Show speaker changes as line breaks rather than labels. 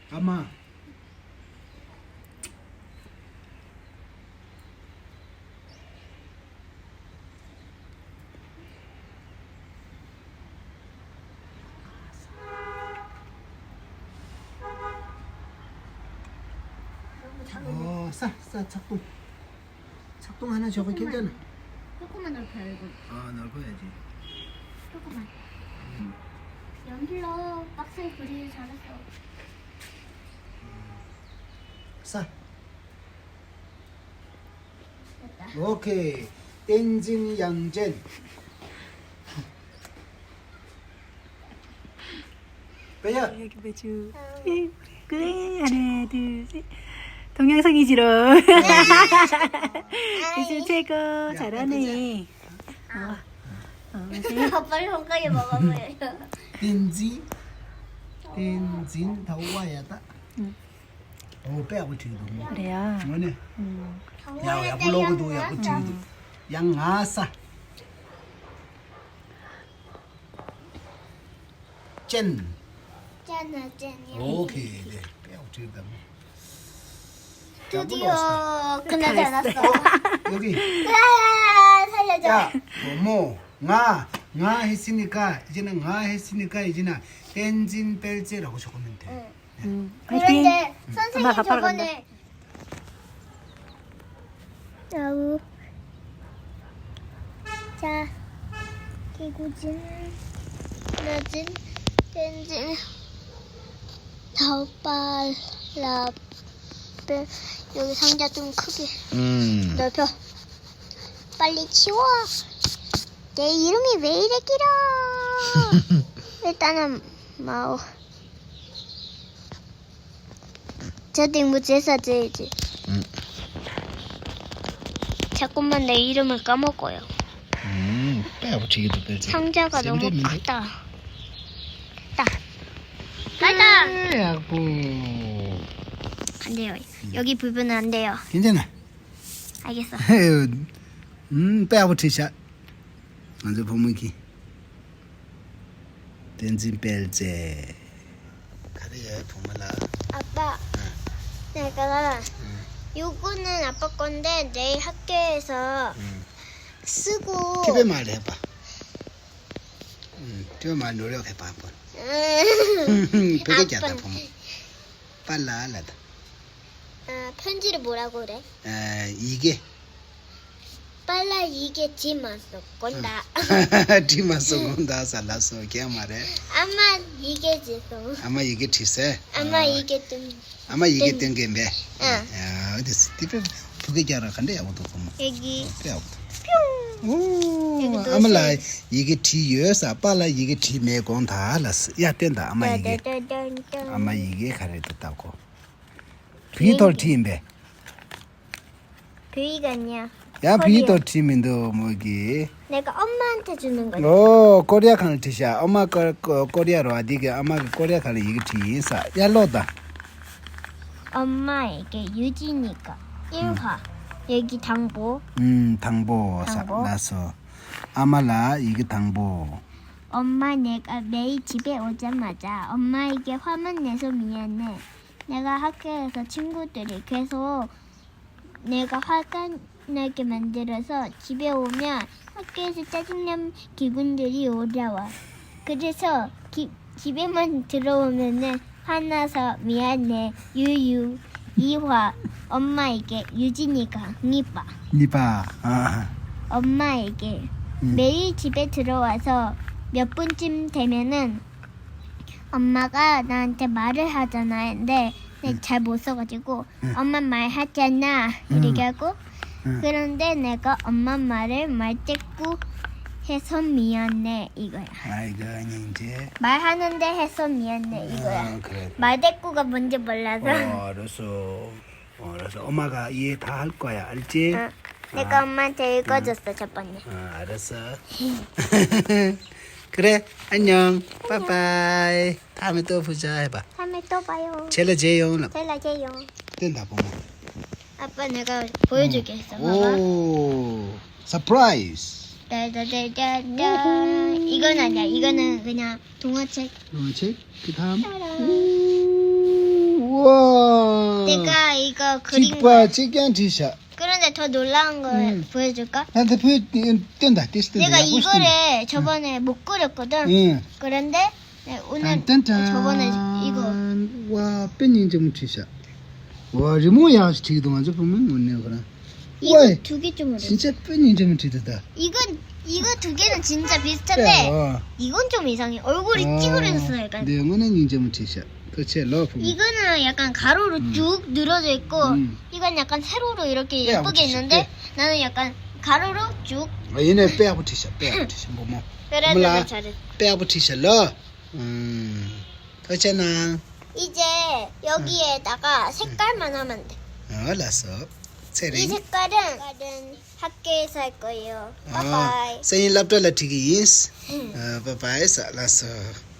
아마 싸 착동. 착동 하나 저거 괜찮아.
조금만 넓혀요 이거.
넓어야지.
조금만. 연필로 박스에 그리기 잘했어.
싸.
됐다.
오케이. 땡진 양젠. 빼야.
여기 매주. 그래 하나 둘 셋. 동영상이 싫어. 미술 최고 잘하네.
빨리 손가락에 먹어보여요.
땡진 더 와야 다. 빼고 지도.
그래요.
뭐네? 야 블로그도 야 지도. 양아싸. 짠.
짠아 짠이야.
오케이. 네. 빼고 지다.
드디어 그날 잘났어.
여기.
살려줘.
야, nga 했으니까 이제는 nga 했으니까 이제는 벤진 벨제라고 적으면 돼.
그런데
엄마
선생님
가파라
저번에 야우 자 기구진 나진 벤진 다우빨라 여기 상자 좀 크게 넓혀. 빨리 치워. 내 이름이 왜 이래 길어? 일단은 마오. 저도 무지해서 줘야지. 자꾸만 내 이름을 까먹어요.
빼고치기도 벨제.
상자가 너무
쌤
크다. 가자.
야구.
안 돼요. 여기 부분은 안 돼요.
괜찮아.
알겠어.
빼고치자. 먼저 보면 기. 벤진 벨제. 그래 보면라.
아빠, 내가 요거는 아빠 건데 내일 학교에서 쓰고.
집에 말 해봐. 집에 말 노력해봐 한번. 베개자다 보면. 빨라 알라다.
편지를 뭐라고 그래?
이게.
빨라 이게 지마서 건다.
디마 쏘곤다 살라서 걔 말해.
아마 이게 지서.
아마 이게 티세.
아마 이게 좀.
아마 이게 땡게 매.
응.
야, 어디 스티브 부게자라 간대 야고도 보면.
여기.
빼고도. 오, 아마라 이게 티여서 빨라 이게 티 매곤 다 알았어. 야 된다. 아마 이게. 아마 이게 가르쳤다고. 비돌 팀배.
그이가 아니야.
야
코리아.
비돌 팀인도 뭐기.
내가 엄마한테 주는 거야.
오 코리아 칸을 티샤. 엄마 코리아로 아디게 아마 코리아 칸을 이게 티사. 야로다.
엄마에게 유진이가 1화. 여기 당보.
당보
당보.
나서 아마라 이게 당보.
엄마 내가 매일 집에 오자마자 엄마에게 화만 내서 미안해. 내가 학교에서 친구들이 계속 내가 화가 나게 만들어서 집에 오면 학교에서 짜증난 기분들이 올라와. 그래서 집에만 들어오면은 화나서 미안해. 유유. 2화. 엄마에게 유진이가 니빠.
니바. 아.
엄마에게 매일 집에 들어와서 몇 분쯤 되면은 엄마가 나한테 말을 하잖아. 근데 내가 잘 못 써가지고 엄마 말하잖아 이렇게 하고 그런데 내가 엄마 말을 말대꾸 해서 미안해 이거야.
아이고 이제.
말하는데 해서 미안해 이거야.
그래.
말대꾸가 뭔지 몰라서.
알았어. 알았어. 엄마가 이해 다 할 거야. 알지?
내가 엄마한테 읽어줬어 저번에.
알았어. 그래. 안녕. 빠빠이. 다음에 또 보자 해봐.
다음에 또 봐요.
젤라제용.
잘라줘요.
된다 보면.
아빠 내가 보여주게 했어. 봐봐.
오. 서프라이즈.
따다다다다. 이건 아니야. 이거는 그냥 동화책.
책. 그다음.
따란.
우와.
내가 이거 그린 거.
찍봐, 찍견 티셔.
그런데 더 놀라운 걸 보여줄까?
나한테 보여, 뜬다, 띄스다.
내가 이거를 저번에 못 그렸거든.
응.
그런데 네, 오늘
딴딴딴.
저번에 이거
와, 뺀 좀 티셔. 와, 이 뭐야, 지금 동안 좀 보면 뭐네요, 그럼.
이거
와,
두 개 좀 어려.
진짜 뺀 좀 티다.
이거 두 개는 진짜 비슷한데 이건 좀 이상해. 얼굴이 찌그러졌어 약간.
네, 이거는 좀 티셔. 그치, 러프.
이거는 약간 가로로 쭉 늘어져 있고 이건 약간 세로로 이렇게
빼야
예쁘게
붙이지,
있는데 나는 약간 가로로 쭉.
얘네 빼고 티셔, 뭐.
그래도
몰라.
나 잘해.
빼고 티셔, 러. 그렇잖아.
이제 여기에다가 색깔만 하면 돼.
알았어.
이
세링.
색깔은 학교에서 할 거예요. 바이바이.
생일 랍도 라티기스. 바이바이, 알았어.